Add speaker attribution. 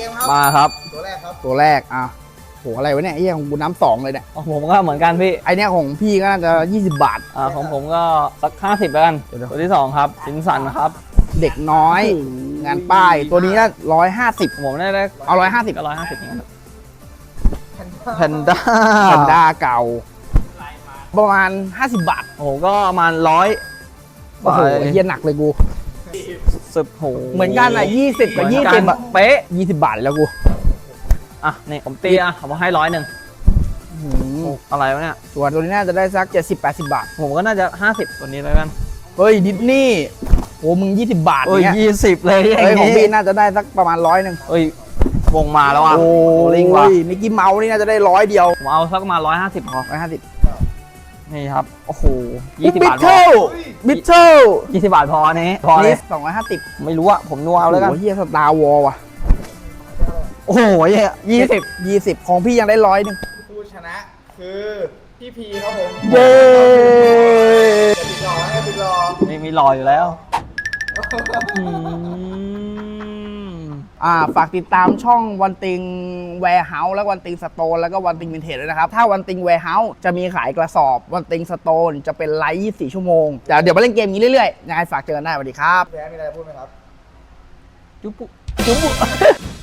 Speaker 1: มครับ
Speaker 2: มาครับ
Speaker 1: ตัวแรกครับ
Speaker 3: ตัวแรกอ่ะโหอะไรวะเนี่ยไอ้เหี้ยของกูน้ำ2เลยเนี่ย
Speaker 2: ผมก็เหมือนกันพี่
Speaker 3: ไอเนี้ยของพี่ก็น่าจะ20 บาท
Speaker 2: ของผมก็สัก50แล้วกัน
Speaker 3: เดี๋ยว
Speaker 2: ตัวที่2ครับสินสันครับ
Speaker 3: เด็กน้อย งานป้ายตัวนี้น่า150
Speaker 2: ผมได้
Speaker 3: เอา150
Speaker 2: ก็150นี่ครับ
Speaker 1: แพนด้า
Speaker 2: แพนด้า
Speaker 3: แพนด้าเก่า ประมาณ50 บาท
Speaker 2: โอ้โหก็ประมาณ100
Speaker 3: โอ้โหไอ้เหี้ยหนักเลยกู
Speaker 2: 10โห
Speaker 3: เหมือนกันอ่ะ20กับ
Speaker 2: เหมือน
Speaker 3: 20
Speaker 2: กัน
Speaker 3: อ่ะ
Speaker 2: เป๊ะ
Speaker 3: 20 บาทแล้วกู
Speaker 2: อ่ะนี่ผมตีผมให้100
Speaker 3: หืม
Speaker 2: อะไรวะเนี่ย
Speaker 3: ส่วนตัวนี้น่าจะได้สัก70-80 บาท
Speaker 2: ผมก็น่าจะ50ตัวนี้แล้วกัน
Speaker 3: เฮ้ยดิสนีย์โอ้มึง20 บาท
Speaker 2: โอ้ย
Speaker 3: เนี้ย
Speaker 2: 20เลยอย่า
Speaker 3: เฮ้ย
Speaker 2: ง
Speaker 3: ของ
Speaker 2: นี้
Speaker 3: พี่น่าจะได้สักประมาณ100
Speaker 2: เอ้ย วงมาแล้วอ่ะ
Speaker 3: โอ้
Speaker 2: ลิงว่ะ
Speaker 3: ยมิกกี้เมาส์นี่น่าจะได้100 เดียว
Speaker 2: ผมเอาสักประมาณ150พอ
Speaker 3: 150
Speaker 2: นี่ครับ โอ้โห20
Speaker 3: บิ
Speaker 2: บา
Speaker 3: ท
Speaker 2: ทพ
Speaker 3: เทิ
Speaker 2: อ
Speaker 3: ลบิทเทิล
Speaker 2: 20 บาทพอนี้พอเล
Speaker 3: นี่
Speaker 2: ย
Speaker 3: 250
Speaker 2: ไม่รู้อะผมนัวเอาแล้วกัน
Speaker 3: โอ้โหเฮียสตาร์วอลว่ะ
Speaker 2: โอ้โห20
Speaker 3: ของพี่ยังได้100
Speaker 1: ผู้ชนะคือพี่พีครับผม
Speaker 3: เย้
Speaker 1: จะติดรอให้ติดรอ
Speaker 2: มีรอยอยู่แล้ว
Speaker 3: ฝากติดตามช่องวันติงแวร์เฮาส์และวันติงสโตนแล้วก็วันติงวินเทจด้วยนะครับ ถ้าวันติงแวร์เฮาส์จะมีขายกระสอบวันติงสโตนจะเป็นไลฟ์24 ชั่วโมงแต่เดี๋ยวมาเล่นเกมนี้เรื่อยๆยังไงฝากเจอกันได้สวัสดีครับ
Speaker 1: แพ้มีอะไรพูดไหมครับ
Speaker 2: จุ๊บ